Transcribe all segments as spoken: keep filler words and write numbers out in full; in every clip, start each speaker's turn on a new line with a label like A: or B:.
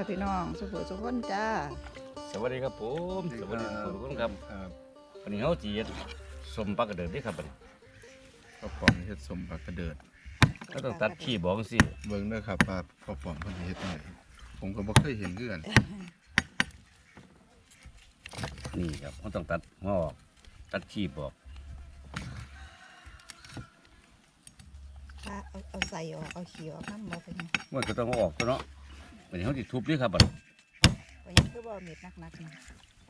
A: พี่น้องสุขสุขคนจ้า
B: สวัสดีครับผมสวัสดีทุกคนครับวันนี้เขาจีสมปลากระเดิดด้วยครับวันนี้
C: พ่อป๋องเฮ็ดสมปลากระเดิด
B: ก็ต้องตัดขี้บอกสิ
C: เบิ่งเด้อครับว่าพ่อป๋องเพิ่นสิเฮ็ดจังไดผมก็บ่เคยเห็นคือกัน
B: นี่ครับเขาต้องตัดหัวออกตัดขี้บอก
A: ถ้าเอาเอาใส่ออกเอาขี้ออกน้ำมาเป็นยัง
B: มันก็ต้องเอาออกตัวเนาะวันนี้เขาจะทุบด้วยครับบัด
A: เป็นยังคือบ่เม็ดนักๆนะ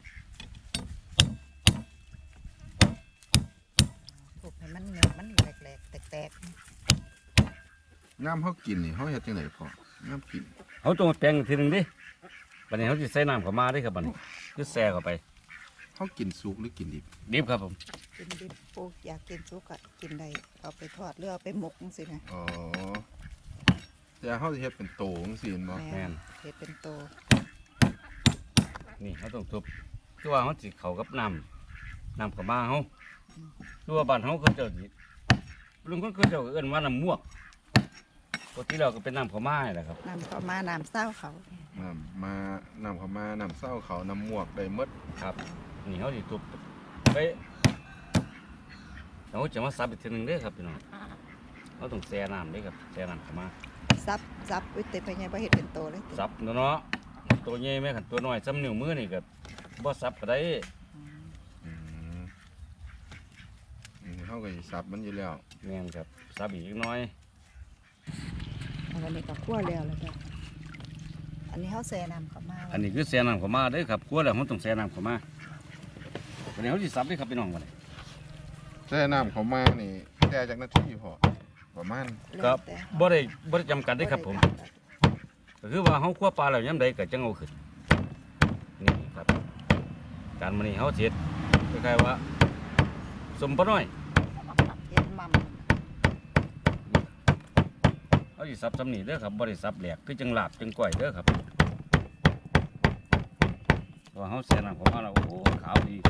A: ถูกให้มันเม็ดมันแหลกๆแตก
C: งามเฮากินนี่เฮาเฮ็ดจังไดพ่องามกิน
B: เขาต้องมาแปลงอีกทีหนึ่งดิวันนี้เขาจะใส่น้ำเข้ามาด้วยครับบัดนี้คือแซ่เข้าไป
C: เฮากินสุกหรือกินดิบ
B: ดิบครับผม
A: ๆกินดิบปลูกอยากกินสุกอะกินได้เอาไปทอดหรือเอาไปหมกจังซี่นะ
C: อ๋อแต่เฮาสิเฮ็ดเป็นโตจังซี่แม่นบ่
A: แม่นเฮ็ดเป็นโต
B: นี่เขาต้องทุบคือว่าเขาจิเข้ากับน้ำน้ำเข้ามาเขาคือว่าบ้านเขาเขาเจ้าสิลุงคนเขาเจ้าก็เอิ้นว่าน้ำมวกปกติเราก็เป็นน้ำเข้ามาแหละครับ
A: น้ำเข้ามาน้ำเศร้าเขา
C: น้ำมาน้ำเข้ามาน้ำเศร้าเขาน้ำมวกได้หมด
B: ครับนี่เขาสิทุบไปเราจะมาซับอีกทีหนึงเด้อครับพี่น้องเขาต้องแช่น้ำเด้อครับแช่น้ำเข้ามา
A: ซับซับอุ้ยแต่ไปยังบ่เฮ็ดเป็นโตเลย
B: ซับเนาะเนาะตัวใหญ่แม่ขันตัวน้อยซ้ำนิ้วมือนี่ก็บ่ซับก็ได้
C: อืมอืมเฮาก็สิสับมันอยู่แล้ว
B: แม่นครับซับอีกนิดหน้อย
A: อันนี้ก็คั่วแล้วแล้วจ้ะอันนี้เฮาแช่น้ำเข้ามา
B: อันนี้คือแช่น้ำเข้ามาเด้อครับครัวแล้วเราต้องแช่น้ำเข้ามาวันนี้เขาสิซับเด้อครับพี่น้องวันนี้
C: แต่น้ำเข้ามานี่แต่จักนาทีพอประมาณ
B: ก็
A: แล้วแต่
B: บ่ได้บ่ได้จำกัดเด้อครับผมก็คือว่าเขาคั่วปลาแล้วยามใดก็จังเอาขึ้นนี่ครับการมื้อนี้เขาเฮ็ดคล้ายๆว่าสมปลาน้อย
A: เฮ็ดมั่ม
B: เขาสิซับซ้ำนี่เด้อครับบ่ได้ซับแหลกคือจังลาบจังก้อยเด้อครับเพราะว่าเขาแช่น้ำเข้ามาแล้วโอ้ขาวดี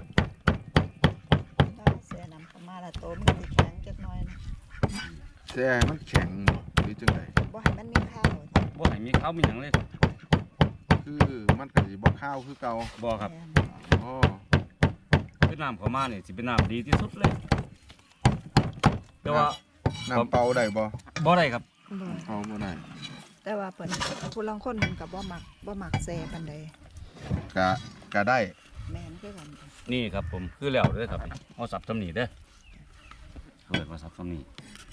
A: ถ้าแช่น้ำเข้ามาแล้วโตมันก็สิแข็งจักหน่อยนะ
C: แต่มันแข็งบ่หรือจังได
A: บ่ให้มันมีข้าวจ้ะ
B: บ่ให้มีขาวมีหยังเลย
C: คือมันก็สิบ่ข้าวคือเก่า
B: บ่ครับ
A: แม่น
C: อ๋อ
B: คือน้ำเข้ามานี่สิเป็นน้ำดีที่สุดเลยแต่ว่า
C: น้ำเปล่าได้บ่
B: บ่ได้ครับ
A: บ่
C: เปล่าบ่ได้
A: แต่ว่าเพิ่นผู้ลางคนเพิ่นก็บ่มักบ่มักแซ่ปานใด
C: กะกะได้
A: แม่นคือกัน
B: นี่ครับผมคือแล้วเด้อครับเอาสับซ้ำนี่เด้อเปิดมาสับซ้ำนี่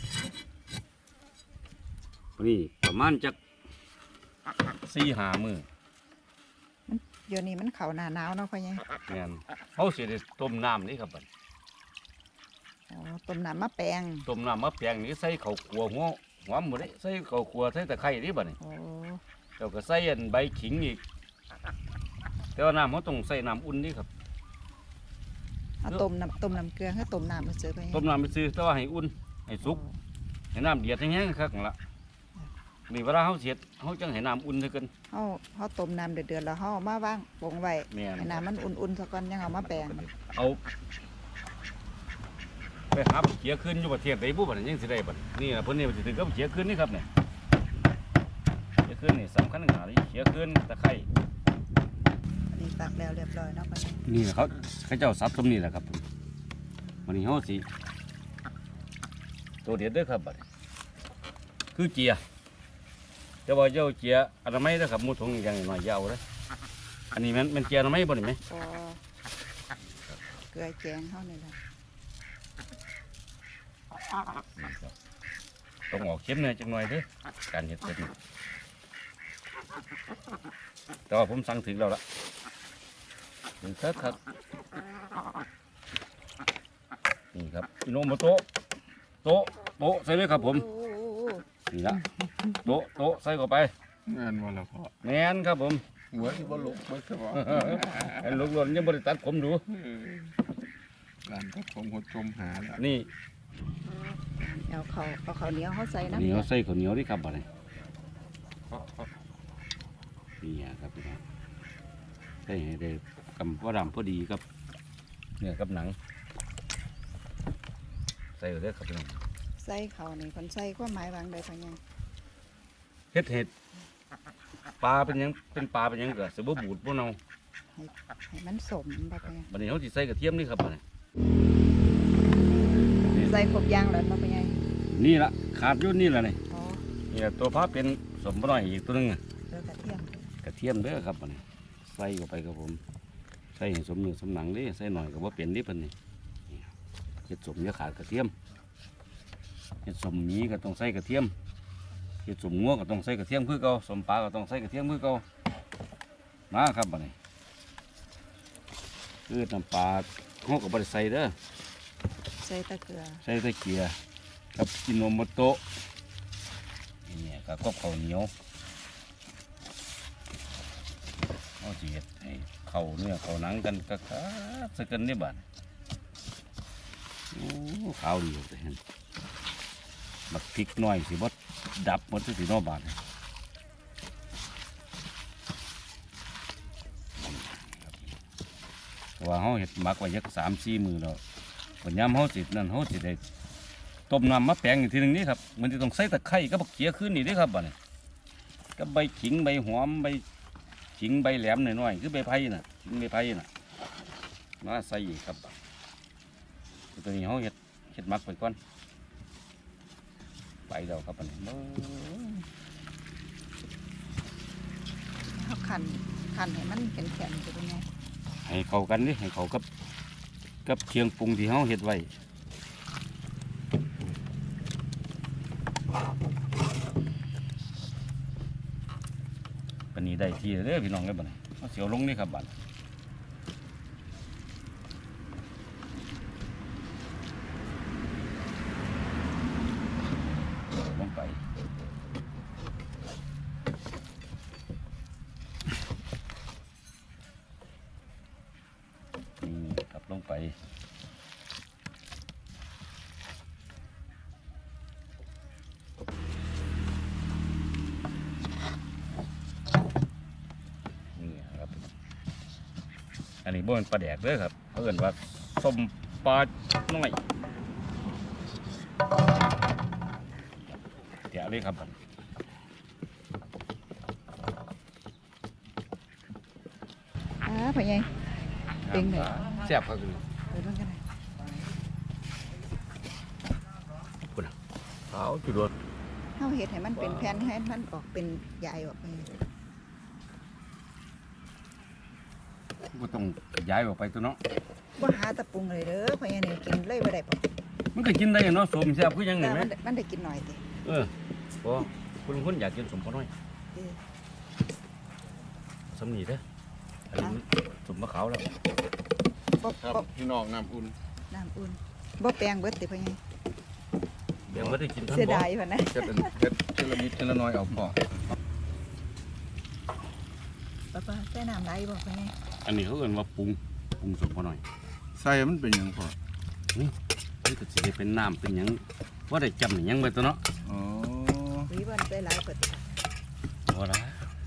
B: นี่ประมาณจักสี่ห้ามือ
A: เดี๋ยวนี้มันเข้าหน้าหนาวเนาะพ่อใหญ่
B: แม่นเขาสิได้ต้มน้ำนี่ครับบัด
A: อ๋อต้มน้ำมะแปง
B: ต้มน้ำมะแปงนี่ใส่ข้าวคั่วหัวหอมหมดเลยใส่ข้าวคั่วใส่ตะไคร้นี่บัดนี่
A: โอ้
B: แล้วก็ใส่อันใบขิงอีกแต่ว่าน้ำเขาต้องใส่น้ำอุ่นนี่ครับ
A: เอาต้มน้ำต้มน้ำเกลือให้ต้มน้ำมาเจอพ่อใหญ่
B: ต้มน้ำไปซื้อแต่ว่าให้อุ่นให้สุกให้น้ำเดือดแห้งๆครับนั่นละนี่เวลาเขาเสียดเขาจังให้น้ำอุ่นเท่ากัน
A: เฮาเฮาต้มน้ำเดือดๆแล้วเฮาเอามาวางปงไว้
B: แม่น
A: ให้น้ำมันอุ่นๆซะก่อนยังเอามาแปง
B: เอาไปหาเขียขึ้นอยู่ประเทศใดบุบัดนี้ยังสิได้บัดนี่นะเพิ่นนี่มันสิถึงกับเขียขึ้นนี่ครับเนี่ยเขียขึ้นนี่สำคัญขนาดนี้เขียขึ้นตะไคร้
A: อันนี้ตักแล้วเรียบร้อยเนาะพ่อใหญ่
B: นี่แหละเขาเขาเจ้าซับตรงนี้แหละครับวันนี้เขาสิตัวเด็ดเด้อครับบัดนี้คือเจียแต่ว่าเจ้าเจียอนามัยเด้อครับหมูถุงอย่างน้อยอยาวเลยอันนี้มันมันเจียอนามัยบ่นี่ไหม
A: ก็เกลือแกงเฮานี่แหละ
B: ต้องออกเข้มหน่อยจังหน่อยเด้อการเห็ดเป็ดนี่แต่ว่าผมสั่งถึงแล้วละถึงเถิดครับนี่ครับพี่โนมาโต๊ะโต๊ะโต๊ะใส่เลยครับผม
A: โอ้โอ้โอ้
B: นี่ละโต๊ะโต๊ะใส่เข้าไป
C: งานบ่ละพ่อ
B: แม่นครับผม
C: หัวสิบ่ลุกบ่ซะบ่
B: ไอ้ลูกหล่นยังบริตัดผมดู
C: ร้านก็ผมหดชมหาแล้ว
B: นี่
A: เอาข้าวเอาข้าวเหนียวเฮาใส่น้ำ
B: เหนียวใส่ข้าวเหนียวดิครับบ่ได้นี่ครับพี่น้องใส่ให้ได้กำว่าดำพอดีครับเนื้อกับหนังใส่เลยครับพี่น้อง
A: ใส่ข้าวนี่เพิ่นใส่ความหมายวางใดพ่อใหญ่
B: เฮ็ดเห็ดปลาเป็นหยังเป็นปลาเป็นหยังก็สิบ่บูดบ่เน่า
A: ให้ให้มันสมบ่พ่อใหญ่
B: บัดนี้เฮาสิใส่กระเทียมนี่ครับบัดนี้
A: ใส่ครบอยางแล้วบ่พ่อใหญ่
B: นี่ล่ะขาดอยู่นี่ล่ะนี่
A: อ๋อ
B: นี่ล่ะตัวพาเป็นสมบ่น้อยอีกตัวหนึงอะ
A: เกลือกระเทียม
B: กระเทียมเด้อครับบัดนี้ใส่เข้าไปครับผมใส่ให้สมเนื้อสมหนังเด้ใส่หน่อยก็บ่เปลี่ยนเดิเพิ่นนี่นี่เฮ็ดสมอย่าขาดกระเทียมเฮ็ดสมหมีก็ต้องใส่กระเทียมเฮ็ดสมงัวก็ต้องใส่กระเทียมคือเก่าสมปลาก็ต้องใส่กระเทียมคือเก่ามาครับบัดนี้คือน้ำปลาเฮาก็บ่ได้ใส่เด้อ
A: ใส่แตะเกลือ
B: ใส่แตะเกียร์กับกินโนโมโตะนี่กับกบข้าวเหนียวเอาสิเฮ็ดให้เข้าเนื้อเข้าหนังกันกะกะสักกันนี่บาดโอ้ขาวดีเลยเห็นบักพริกน้อยสิบ่ดับหมดสิเนาะบาดนี่เพราะว่าเฮาเฮ็ดหมักไว้ยักสามสี่มื้อแล้วปัญญามเฮาสินั่นเฮาสิได้ต้มน้ำมะแปงอีกทีหนึงนี่ครับมันจะต้องใส่ตะไคร้กับบักเขียขึ้นนี่เด้อครับบัดนี้กับใบขิงใบหอมใบขิงใบแหลมหน่อยๆคือใบไผ่น่ะขิงใบไผ่น่ะมาใส่อีกครับตัวนี้เฮาเฮ็ดเฮ็ดหมักไปก่อนไปแล้วครับบัดนี้เบิ่ง
A: เฮาคั่นคั่นให้มันแข็งๆสิพ่อใหญ่
B: ให้เข้ากันดิให้เข้ากับกับเครื่องปรุงที่เฮาเฮ็ดไว้ปานนี้ได้ที่แล้วเด้อพี่น้องเด้อบัดนี้เอาเสียวลงนี่ครับบัดลงไปนี่ครับลงไปนี่ครับอันนี้บ่เป็นปลาแดกเด้อครับเขาเอิ้นว่าส้มปลาน้อยเดี๋ยวเลยครับบัด
A: อ่าพ่อใหญ่เป็นไง
C: แซ่บครับ
A: เปิดมันกันหน่อย
B: คุณขาวจุดรถ
A: เฮาเฮ็ดให้มันเป็นแผ่นให้มันออกเป็นใยออกไป
B: ก็ต้องย้ายออกไปตัวเนาะ
A: บ่หาตะปรุงเลยเด้อพ่อใหญ่นี่กินเลยบ่ได้ปะ
B: มันก็กินได้เนาะสมแซ่บคือหยัง
A: แต่
B: นี่ไหม
A: มันได้มันได้กินหน่อยติ
B: เออพอคุณคนอยากกินสมปลาน้อย
A: เออ
B: สำนีเด้ออันนี้มันสมมะขาวแล้ว
A: บ่
C: ครับ
A: บ่
C: พี่น้องน้ำอุ่น
A: น้ำอุ่นบ่แปลงเบิดติพ่อใหญ่
B: เดี๋ยวไม่ได้กินท่าน
A: เสีย
B: บ่
A: ดายพ่นนะ
C: เฮ็ดเป็นเฮ็ดเทละนิดเทละน้อยเอาพอ
A: ป้าป้าใส่น้ำไหลบ่พ่อใหญ่
B: อันนี้เขาเอิ้นว่าปรุงปรุงสมปลาน้อย
C: ใส่มันเป็นหยังพอ
B: นี่ก็สิได้เป็นน้ำเป็นหยังว่าได้จำหยังไปตัวเนาะ
C: อ๋อ
A: หวีบ่ใส่หลายเปิด
B: ว่าละ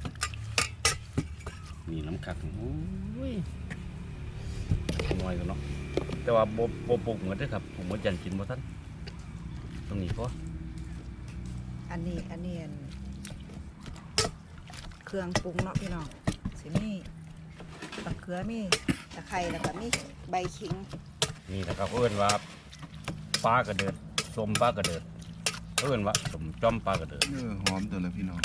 B: นี่น้ำคักโอ้ยน้อยกันเนาะแต่ว่าโบโบปรุงเหมือนเด้อครับผมว่ายันกินบ่ทันตรงนี้พอ
A: อันนี้อันนี้อันเครื่องปรุงเนาะพี่น้องสิมีตะเขือมีตะไคร้แล้วก็มีใบขิง
B: นี่นะครับเขาเอิ้นว่าปลากระเดิดสมปลากระเดิดเขาเอิ้นว่าสมจอมปลากระเดิด
C: เออหอมตัวละพี่น้อง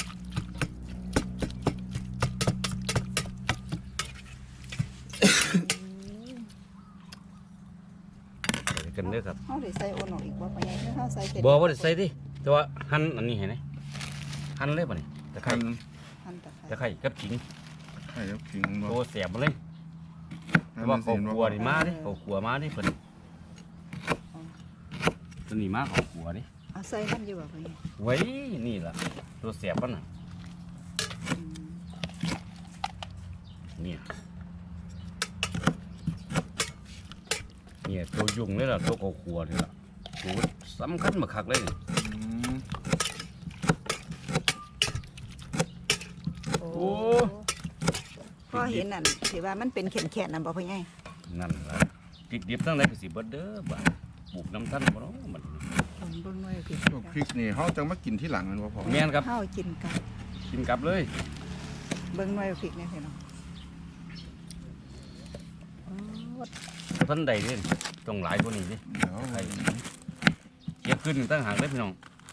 B: ใส่กันเด้อครับ
A: เฮาได้ใส่โอนออกอีกบ่พ่อใหญ่เฮาใส่เสร็จ
B: บ่ว่าได้ใส่ดิแต่ว่าหั่นอันนี้เห็นไหมหั่นเลยป่ะนี่ตะไคร้
C: หั่น
A: หั่นตะไค
B: ตะ
A: ร้
B: ไคร้กับขิง
C: ไข่แล้วขิงบ่
B: โตแสบมาเลยแต่ว่าเขาขัวนี่มาดิเขาขัวมาดิเพิ่นตัวนี้มาเขาขัวดิ
A: เอาใส่มันอยู่บ่พ่อใหญ่
B: ไว้นี่ล่ะตัวแสบมันน่ะ
A: อืม
B: เนี่ยเนี่ยตัวยุ่งเลยล่ะตัวเขาขัวนี่ล่ะตัวสำคัญมาคักเลยนี่
C: อืม
A: โอ้พอเห็นนั่นสิว่ามันเป็นแข็งๆนั่นบ่พ่อใหญ่
B: นั่นล่ะพริกดิบทั้งหลายก็สิเบิดเด้อบ่าปลูกน้ำท่านบ่เนาะมัน
A: ผมเบิ่งไว้พี่
C: พวกพริกนี่เฮาจะมากินที่หลังแมันบ่พอ
B: แม่นครับ
A: เฮากินกัน
B: กินกลับเลย
A: เบิ่งหน่อยพริกเนี่ยพี่น้องอ๋อ
B: ท่านใดเด้ต้องหลายกว่านี้ดิ
C: เดี๋ยว
B: ไอ้เก็บขึ้นตั้งหากเลยพี่น้อง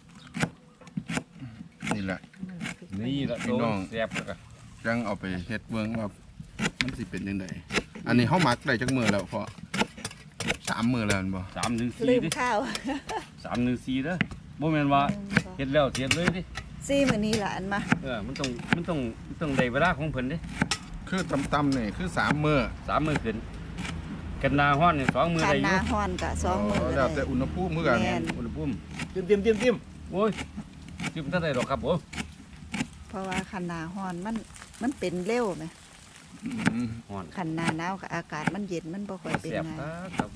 C: นี่แหละ
B: นี่ละ
C: พี่
B: ตัว
C: น้อง
B: แซ่บแล้วก็
C: จังเอาไปเฮ็ดเบิ่งว่ามันสิเป็นยังไงอันนี้เฮาหมักได้จักมื้อแล้วพอสามมื้อแล้วแม่นบ่
B: สามหนึ่ง
A: ลื
B: สี่
A: ม
B: ดิ
A: ข้าว
B: สามหนึ่งสี่เด้อบ่แม่นว่าเฮ็ดแล้วเสียเลยดิ
A: ซี่มื้อนี้ล่ะอันมา
B: เออมันต้องมันต้องมันต้องได้เวลาของเพิ่นดิ
C: คือตำๆนี่คือสามมื้อ
B: สามมื้อขึ้นกันนาฮ้อนนี่สองมื้อ
A: คัน
B: ได้อ
A: ห
B: ยู่
A: น้าฮ้อนก็สองมื้อ
C: แล้วแต่
A: ได้
C: อุณหภูมิคือกัน
A: แม่น
B: อุณหภูมิ
C: จิ้มจิ้มจิ้มจิ้ม
B: โอ้ยจิ้มเท่าใดดอกครับผม
A: เพราะว่าคันหน้าฮ้อนมันมันเป็นเร็วไหม
C: อืม
B: ฮ้อน
A: คันหน้าหนาวก็อากาศมันเย็นมันบ่ค่อยเป็น
B: แซ่บ
A: ไง
B: ครับ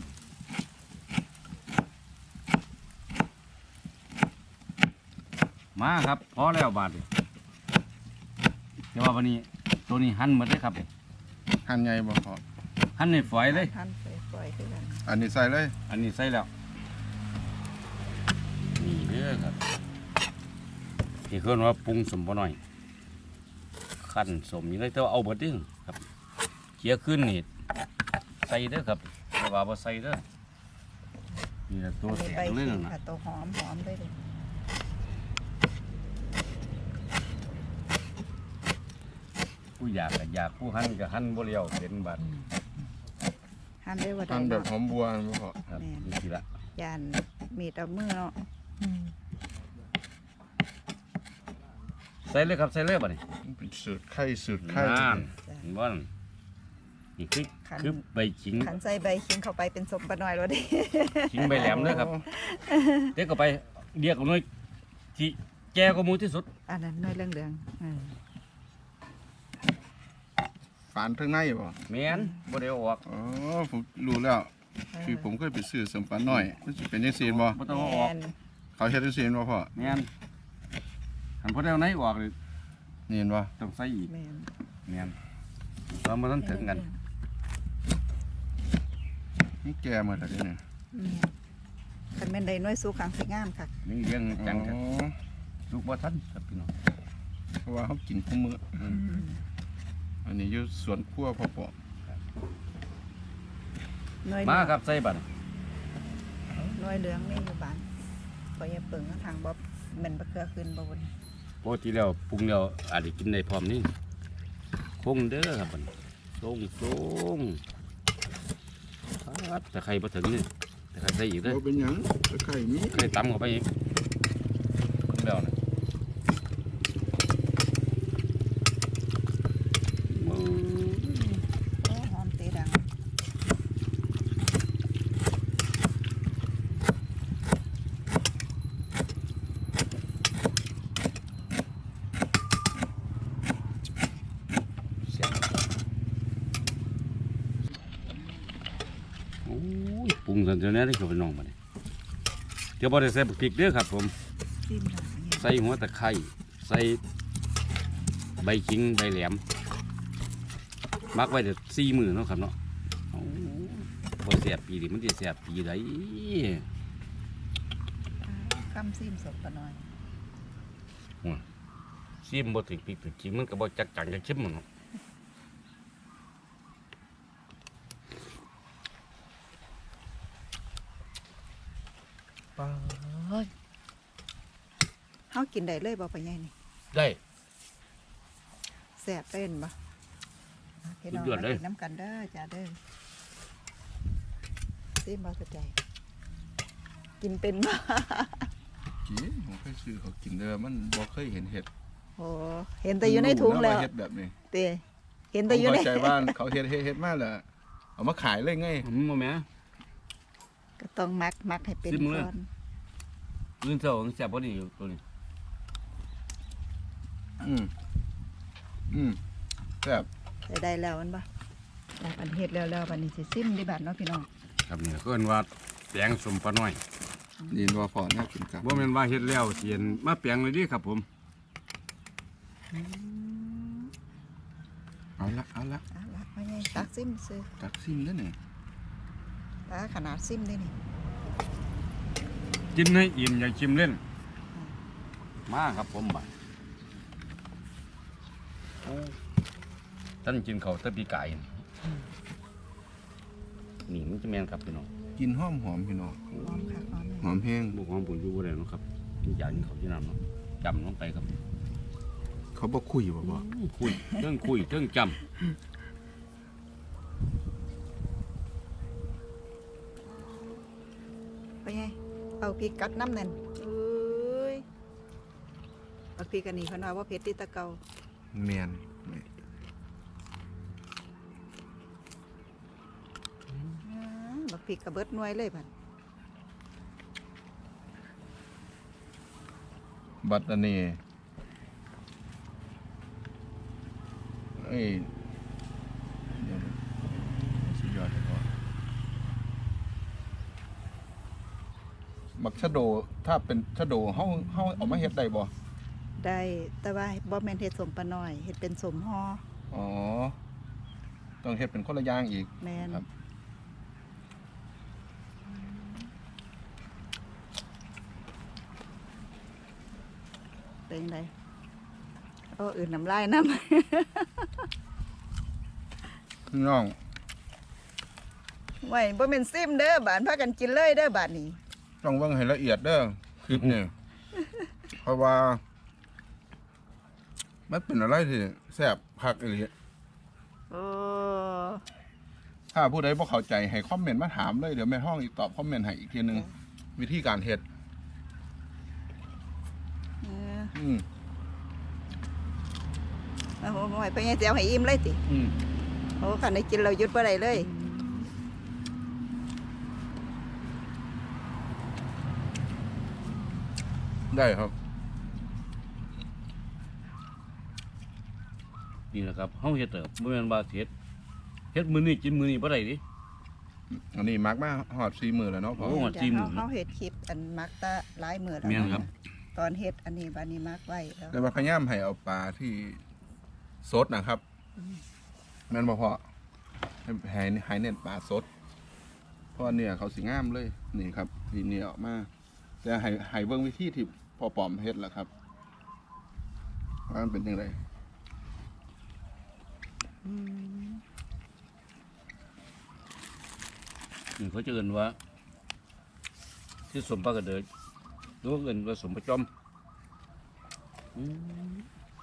B: มาครับพอแล้วบาดนี้แต่ว่าวันนี้ตัวนี้หั่นหมดเลยครับ
C: หั่นใหญ่บ่พอ
B: หั่นในฝอยเลย
A: ท่านไปปล่อยคือกัน
C: อันนี้ใส่เลย
B: อันนี้ใส่แล้วนี่เด้อครับที่เพิ่นว่าปรุงสมบ่น้อยขั้นสมนี่เลยแต่ว่าเอาเบิดเด้อครับเคี่ยขึ้นนี่ใส่เด้อครับแต่ว่าบ่ใส่เด้อนี่แหละตัว
A: อัน
B: แส
A: นี้ใบบ
B: เลย
A: ขิ
B: นั่
A: ง
B: นน่ะ
A: ค่ะตัวหอมหอมได้เลย
B: ผู้อยากก็อยากผู้หั่นก็หั่นบ่เลี้ยวเป็นบัด
A: หั่นได้ว่าได้
C: หั่นแบบ
A: เนาะ
C: หอมบัวบ่พอ
B: ครับ
A: แม่น
B: นี่สิละ
A: ยานมีดเอามือเนาะ
B: ใส่เลยครับใส่เลยบัดนี้
C: มันเป็นสูตรไข่สูตรไข่
B: นั่นเห็นบ่นั่นนี่คือคือใบขิง
A: ขันใส่ใบขิงเข้าไปเป็นสมปะน้อยแล้วดิ
B: ขิงใบแหลมเด้อครับเด็กก็ไปเรียกเอาหน่อยที่แก่กว่าหมู่ที่สุด
A: อันนั้นน้อยเรื่องเรื่องๆเออ
C: ฝานทั้งในบ่
B: แม่นบ่ได้เอาออก
C: อ๋อผมรู้แล้ว คือผมเคยไปซื้อสมปลาน้อยมันสิเป็นจังซี่บ่
B: บ่ต้องเอาออก
A: แม่น
C: เขาเฮ็ดจังซี่บ่พ่อ
B: แม่นหันพอได้เอาไหนออกเลย
C: นี่เห็นบ่
B: ต้องใส่อีก
A: แม่น
B: แม่นเรามาทันถึงกัน
C: นี่แก่หมดแล้วเดี๋ยวนี่
A: แม่นคันแม่นได้น้อยสู้ขังสิงามค่ะ
B: นี่เลี้ยงจังกัน
C: อ๋อ
B: ลูกบ่ทันครับพี่น้อง
C: เพราะว่าเขากินคู่มื้อ
B: อืม
C: อันนี้อยู่สวนครัวพ่อปอ
A: น้อย
B: มา
A: เหลือง
B: ครับใส่บัด
A: น้อยเหลืองนี่อยู่บ้านพออย่าเปิงทางบ่แม่นบ่เกลือขึ้นบ่บน
B: ปกติแล้วปรุงแล้วอาจจะกินได้พร้อมนี่คงเด้อครับบัดส่งส่งครับแต่ใครบ่ถึงนี่แต่ใครใส่อีกเด้อ
C: บ่เป็นหยังตะไคร้มี
B: ใครตำเข้าไปอีกปรุงแล้วนะมือ
A: โอ้หอมเตะดัง
B: เสียงโอ้ยปรุงสันเดียวนี้ได้เข้าไปน้องมาเนี่ยเดี๋ยวบ่ได้ใส่บักพริกเด้อครับผม
A: ซิมหน่อยเนี่ย
B: ใส่หัวตะไคร้ใส่ใบขิงใบแหลมมักไว้เดี๋ยวสี่มือเนาะครับเนาะโอ้พอเสียบปีนี้มันจะเสียบปีไหน
A: คำซิมสมปะน้อย
B: ซิมบ่ถึงปีถึงขิงมันก็บ่จักจังจักชิมมันเนาะ
A: เฮากินได้เลยบ่ปะใหญ่นี่
B: ได้
A: แซ่บเป็นบ่พี่น้อง
B: สุดยอด
A: มา
B: เลย
A: กินน้ำกันเด้อจ้าเด้อซิมบ่สนใจ กินเป็นบ่
C: กินผมเคยซื้อเขากินเด้อมันบ่เคยเห็นเห็ด
A: โอ้เห็นแต่อยู่ในถุงแล้ว
C: เห็ดแบบนี้
A: เตเห็นแต่อยู่ใน
C: ผมเข้าใจว่าเขาเห็ดเฮ็ดเฮ็ดมาแล้วเอามาขายเลยไง
B: อืมบ่แม่
A: ก็ต้องมักมักให้เป็น
B: ซิมเลย
A: ก่อน
B: ลื่นเท่าของแซ่บบ่นี่อยู่ตัวนี้
C: อืมอืมแซ่บ
A: ใส่ได้แล้วมันบ่แล้วอันเฮ็ดแล้วแล้วบัดนี้สิซิมดีบัดเนาะพี่น้อง
B: ครับนี่เพิ่นว่าแปลงสมปลาน้อย
C: นี่ว่าพอน่ากินครับ
B: บ่แม่นว่าเฮ็ดแล้วเสียนมาแปลงเลยเดิครับผม
C: เอาละเอาละ
A: เอาละว่าไงตักซิมซื้อ
C: ตักซิมแล้วนี่
A: ตาขนาดซิมได้นี่
B: กินให้อิ่มอย่าชิมเล่นมาครับผมบัดโอ้ท่านกินเขาวแตะปีไก่นี่มันจะแม่นครับพี่น้อง
C: กินหอมหอมพี่น้อง
A: หอมค่ะหอม
C: หอมแห้ง
B: บุกความบุญอยู่บ่ได้เนาะครับกินอย่างนี้เขาที่นั่นเนาะจำลงไปครับ
C: เขาบ่คุยบ่บ่
B: คุยเรื่องคุยเรื่องจ
A: ไปไงเอาพริกกัดน้ำนั่นเอ้ยเอาพริกอันนี้เขาว่าว่าเผ็ดที่ตะเกา
C: แม่น
A: อืมบักพริกกระเบิดหน่วยเลยพัน
C: บัดอันนี้เอ้ยเดี๋ยวนะสุดยอดเลยพ่อบักชะโดถ้าเป็นชะโดเฮาเฮาเอามาเฮ็ดได้บ่
A: ได้แต่ว่าบ่แม่นเฮ็ดสมปลาน้อยเฮ็ดเป็นสมห่อ
C: อ๋อต้องเฮ็ดเป็นคนละอย่างอีก
A: แม่น
C: ครับ
A: เป็นจังไดโอ้อื่นน้ำลายน้
C: พี่น้อง
A: ำ ไว้บ่แม่นซิมเด้อบานพากันกินเลยเด้อบาดนี้
C: ต้องเบิ่งให้ละเอียดเด้อคลิปนี่ เพราะว่า มันเป็นอะไรที่แซ่บคักอีหลี
A: โอ้
C: ถ้าผู้ใดบ่เข้าใจให้คอมเมนต์มาถามเลยเดี๋ยวแม่ห้องอีกตอบคอมเมนต์ให้อีกทีหนึงวิธีการเฮ็ด
A: เออ
C: อืม
A: เอาไว้ไปไงสิเอาให้อิ่มเลยติ
B: ำอืม
A: โอ้คันได้กินเราหยุดบ่ได้เลย
C: ได้ครับ
B: นี่แหละครับเฮาเฮ็ดเด้อบ่แม่นว่าสิเฮ็ดเฮ็ดมื้อนี้กินมื้อนี้บ่ได้ดิ
C: อันนี้มักมาหอดสี่มือแล้วเนาะพ่อ
B: โอ้
A: เดี๋
B: สี่
A: ยว
B: หมื่
A: เฮาน เฮาเฮ็ดคลิปอันมักตะหลายมื้อแล้ว
B: แม่นครับ
A: ตอนเฮ็ดอันนี้บัดนี้มักไว้แล้ว
C: แต่ว่าพยายามให้เอาปลาที่สดนะครับแม่นบ่พอให้ให้ให้เน้นปลาสด เพราะว่าเนี่ยเขาสิงามเลย นี่ครับนี่เนี่ยออกมาแต่ให้ให้เบิ่งวิธีที่พอปอมเฮ็ดแหละครับว่ามันเป็นยังไง
A: อืม
B: นี่เขาจะเอิ้นว่าที่สมปลากระเดิดหรือว่าเอิ้นว่าสมปลาจอมอืม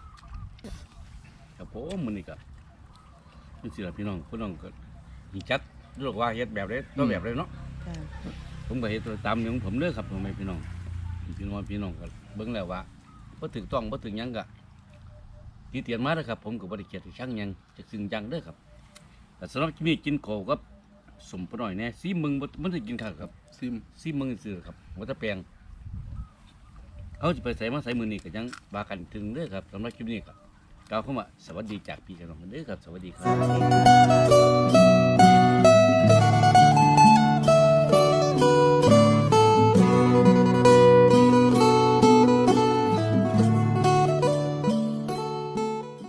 B: ครับผมมื้อนี้ก็จังซี่ล่ะพี่น้องพี่น้องก็สิจัดเลือกว่าเฮ็ดแบบใดตัวแบบใดเนาะ
A: จ้ะ
B: ผมก็เฮ็ดตามอย่างของผมเด้อครับพ่อแม่พี่น้องพี่น้องพี่น้องก็เบิ่งแล้วว่าบ่ถูกต้องบ่ถึงหยังก็ติเตียนมาเด้อครับ ผมก็บ่ได้เกลียดช่างหยังจะซึ่งจังเด้อครับแต่สำหรับมีกินโกกับสมปน้อยแน่ซีมึงบ่มันสิกินข้าวครับ
C: ซิม
B: ซีมึงซื่อครับบ่ตะแปลงเอาสิไปใส่มาใส่มื้อนี้ก็ยังว่ากันถึงเด้อครับสำหรับคลิปนี้ก็กล่าวคำว่าสวัสดีจากพี่กับน้องเด้อครับสวัสดีค
A: ส
B: รับ
A: วัสดีค่ะ